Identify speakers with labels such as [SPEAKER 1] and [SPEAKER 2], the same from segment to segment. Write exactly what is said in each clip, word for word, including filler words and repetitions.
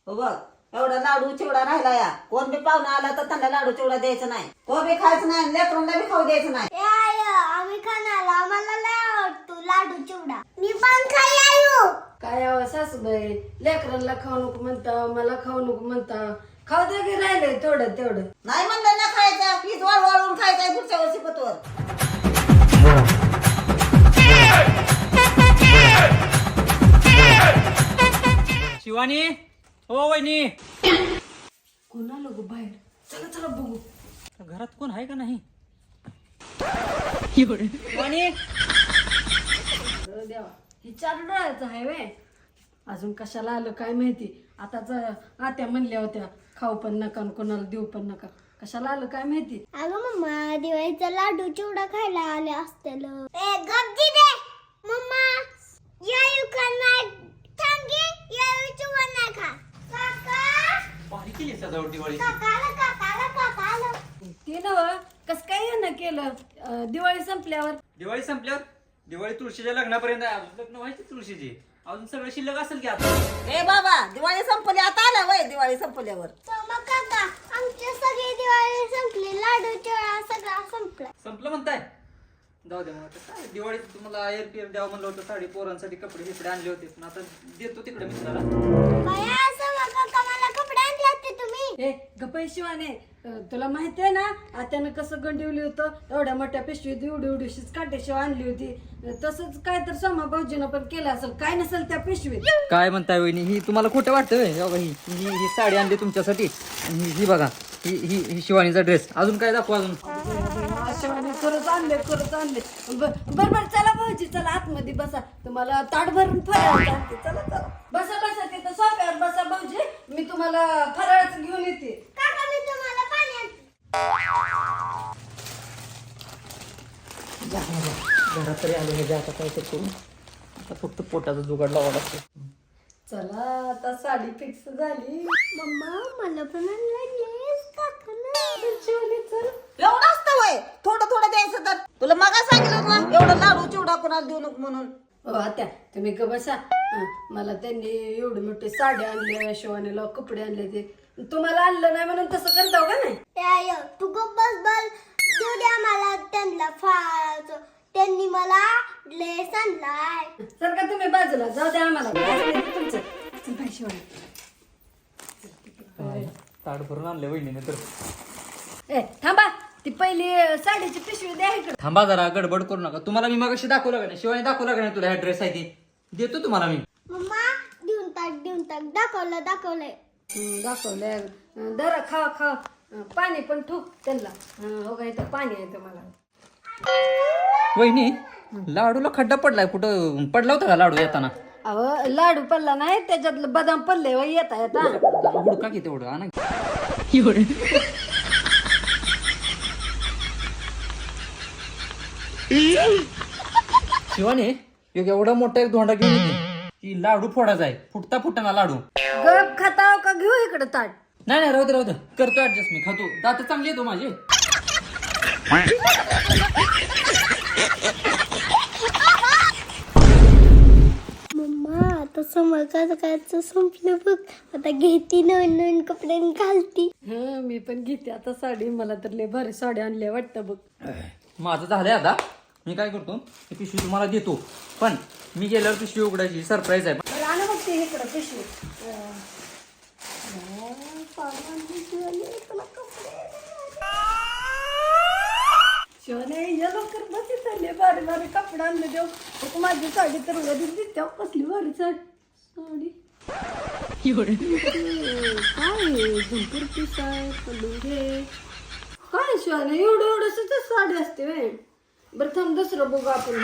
[SPEAKER 1] हो बघ एवढा लाडू चिवडा राहिला या कोण बी पाहुणा आला तर त्यांना लाडू चिवडा द्यायचा नाही तो बी खायचं नाही लेकरांना बी खाऊ द्यायचं नाही.
[SPEAKER 2] ए आय आम्ही खाणार आम्हाला लय आवडतो लाडू चिवडा मी पण खाई आयो.
[SPEAKER 3] काय आव सासूबाई लेकरांना खाऊ नको म्हणता मला खाऊ नको म्हणता खाऊ दे की राहिले थोडं तेवढं.
[SPEAKER 1] नाही म्हणलं ना खायचं पीठ वाळ वाळून खायचंय पुढच्या वर्षी पतवर.
[SPEAKER 4] शिवानी हो वहिनी
[SPEAKER 3] कोण आलो गो बाहेर चला चला बघू.
[SPEAKER 4] घरात कोण आहे का नाही? शिवानी
[SPEAKER 3] अरे देवा ही चार डोळ्याचं आहे वे अजून कशाला आलं काय माहिती. आताच आत्या म्हणल्या होत्या खाऊ पण नका आणि कोणाला देऊ पण नका कशाला आलं काय माहिती.
[SPEAKER 2] अगं मम्मा दिवाळीचा लाडू चिवडा खायला आले असतील. ए गप्पी दे मम्मा यायू का नाही थांबगे यायू चिवडा नाही खा. काका
[SPEAKER 4] भारी केली सजावट दिवाळी.
[SPEAKER 2] काकाला काकाला काकाला
[SPEAKER 3] ते नव कस काय यानं केलं अं, दिवाळी संपल्यावर.
[SPEAKER 4] दिवाळी संपल्यावर दिवाळी तुळशीच्या लग्नापर्यंत आहे. अजून लग्न व्हायची तुळशीची अजून सगळं शिल्लक असेल की आता.
[SPEAKER 1] ए बाबा दिवाळी संपली आता आला वय दिवाळी संपल्यावर.
[SPEAKER 2] मग काका आमची सगळी दिवाळी संपली लाडू चिवडा सगळा संपला.
[SPEAKER 4] संपलं म्हणताय जाऊ दे मग आता काय दिवाळीत तुम्हाला एअर पीएफ द्यावं म्हणलं होतं साडी पोरांसाठी कपडे बिपडे आणले होते पण आता देतो तिकडे मित्राला.
[SPEAKER 2] बाया असं मग काका मला कपडे आणले होते तुम्ही.
[SPEAKER 3] ए गपई शिवाने अं, तुला माहिती आहे ना आत्यानं कसं गंडिवली होतं एवढ्या मोठ्या पिशवीत एवढी एवढीशीच काटेशिवाय आणली होती. तसंच काय तर सोमा भाऊजीनं पण केलं असेल काय नसेल त्या पिशवीत.
[SPEAKER 4] काय म्हणताय वहिनी ही तुम्हाला खोटं वाटतं ही ही ही साडी आणली तुमच्यासाठी ही ही बघा ही ही ही शिवानीचा ड्रेस. अजून काय दाखवा अजून.
[SPEAKER 3] शिवाने खरंच आणले खरंच आणले. बर बर चला भाऊजी चला आतमध्ये बसा तुम्हाला ताट भरून फराळ आणते. चला चला बसा बसा तिथं सोफ्यावर बसा भाऊजी मी तुम्हाला फराळाचं घेऊन येते.
[SPEAKER 2] काका मी तुम्हाला पाणी आणते.
[SPEAKER 4] घरात तरी आले म्हणजे आता काय तर करू आता फक्त पोटाचा जुगाड लावा लागतो.
[SPEAKER 3] चला आता साडी फिक्स झाली.
[SPEAKER 2] मम्मा मला पण आणलेस काकाला.
[SPEAKER 3] शिवानी चल
[SPEAKER 1] एवढं असतं वय थोडं थोडं द्यायचं तर तुला मगा सांगितलं ना एवढं लाडू चिवडा कोणाला देऊ नको म्हणून.
[SPEAKER 3] हो आत्या तुम्ही ग बसा हं, मला त्यांनी एवढे मोठे साड्या आणल्या शिवानीला कपडे आणले ते तुम्हाला आणलं नाही म्हणून तसं करता का नाही.
[SPEAKER 2] ए आय तू गप्प बस बस देऊ द्या मला त्यांना फळाचं त्यांनी मला ड्रेस आणलाय.
[SPEAKER 3] सर का तुम्ही बाजूला जाऊ द्या आम्हाला तुमचं चल बाई शिवानी.
[SPEAKER 4] ताट भरून आणले वहिनीने तर.
[SPEAKER 3] ए थांबा ती पहिली साडीची पिशवी द्या इकडे.
[SPEAKER 4] थांबा जरा गडबड करू नका. तुम्हाला मी मगाशी दाखवलं का नाही शिवानी दाखवलं का नाही तुला हा ड्रेस आहे ती देतो तुम्हाला मी.
[SPEAKER 2] मम्मा देऊन टाक देऊन टाक दाखवलं दाखवलंय.
[SPEAKER 3] हं, दाखवलंय हं, दरा खा खा हं, पाणी पण ठोक त्यांना हं, हो का इथं पाणी आहे तुम्हाला.
[SPEAKER 4] वहिनी लाडूला खड्डा पडलाय कुठं पडला होता का लाडू येताना?
[SPEAKER 3] अहो लाडू पडला नाही त्याच्यातलं बदाम पडले व येता येता.
[SPEAKER 4] जरा हुडका की तेवढं आणा. शिवानी एक एवढा मोठा एक धोंडा घेऊन येते की लाडू फोडायचा आहे फुटता फुटताना लाडू.
[SPEAKER 3] गप खाता का घेऊ इकडे ताट.
[SPEAKER 4] नाही नाही राहू दे राहू दे करतो ऍडजस्ट मी खातो. दात चांगली येतो माझे.
[SPEAKER 2] मम्मा आता समोर काय संपलं बघ आता घेती नवीन नवीन कपडे घालती.
[SPEAKER 3] हं मी पण घेते आता साडी मला तर लय भारी साडी आणल्या वाटतं बघ.
[SPEAKER 4] माझं झालंय आता मी काय करतो ही पिशवी तुम्हाला देतो पण मी गेल्यावर पिशवी उघडायची सरप्राईज आहे.
[SPEAKER 3] बरं आणा बघ ते इकडं पिशवी. अं, शिवाने या लवकर बस चालले भारी भारी कपडे आणले देव. एक माझी साडी तर वरी दिसते कसली भारी साडी साडी काय झुंपूर पीस आहे पलुंगे काय शिवाने एवढं एवढं साडी असते वे. बरं थांब दुसरं बघू आपण.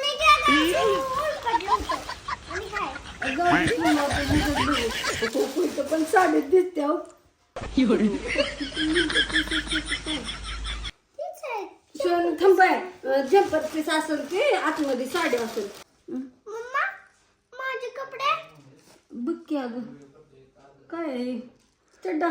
[SPEAKER 3] पण साडीत दिसते हो. शिवाने थांबाय झंपर पीस असेल की आतमध्ये साडी असेल.
[SPEAKER 2] मम्मा माझे कपडे
[SPEAKER 3] बघ की अगं काय आहे? चड्डा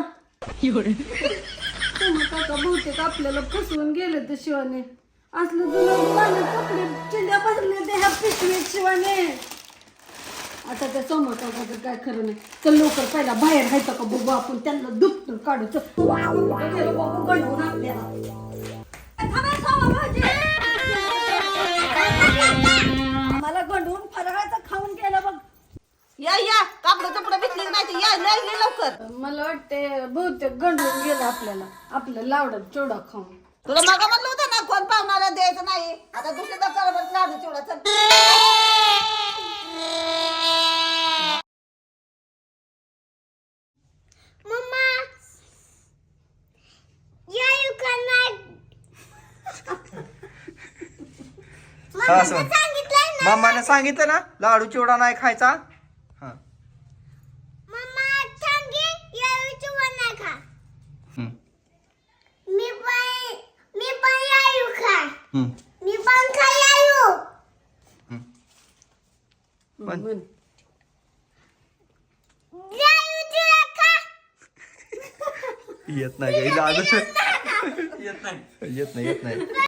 [SPEAKER 3] काका बहुतेक आपल्याला फसवून गेले तर शिवाने असलं जुनं कपडे चिंध्या बसले ते ह्या पिशवीत शिवाने. आता त्या समोर काय खरं नाही. चल लवकर पहिला बाहेर जायचं का बघू आपण त्यांना दुखतं काढू चल. गेलो बाबू गंडवून आपल्याला. थांबा, थांबा, भाऊजी. मला गंडवून फराळाचं खाऊन केलं बघ.
[SPEAKER 1] या या कापड चपड भेटली नाही तर या लय लय लवकर.
[SPEAKER 3] मला वाटते बहुतेक गंडवून गेलं आपल्याला आपलं लावडं चिवडा खाऊन.
[SPEAKER 1] तुला मग म्हणलं होतं ना कोण पाहुणाला द्यायचं नाही. आता दुसऱ्या दरबारात लाडू चिवडा चल.
[SPEAKER 2] मम्मा या युकांना
[SPEAKER 5] हा, असं.
[SPEAKER 2] सांगितलंय ना
[SPEAKER 5] मामाने सांगितलं ना लाडू चिवडा नाही खायचा. हा.
[SPEAKER 2] मम्मा सांगे या चिवडा नाही खा.
[SPEAKER 5] हम्म.
[SPEAKER 2] मी पण मी पण यायू खा.
[SPEAKER 5] हम्म.
[SPEAKER 2] मी पण खा यायू.
[SPEAKER 5] पण
[SPEAKER 3] म्हण.
[SPEAKER 2] यायू चिवडा खा.
[SPEAKER 5] येत नाही काही लाडू येत नाही येत नाही येत नाही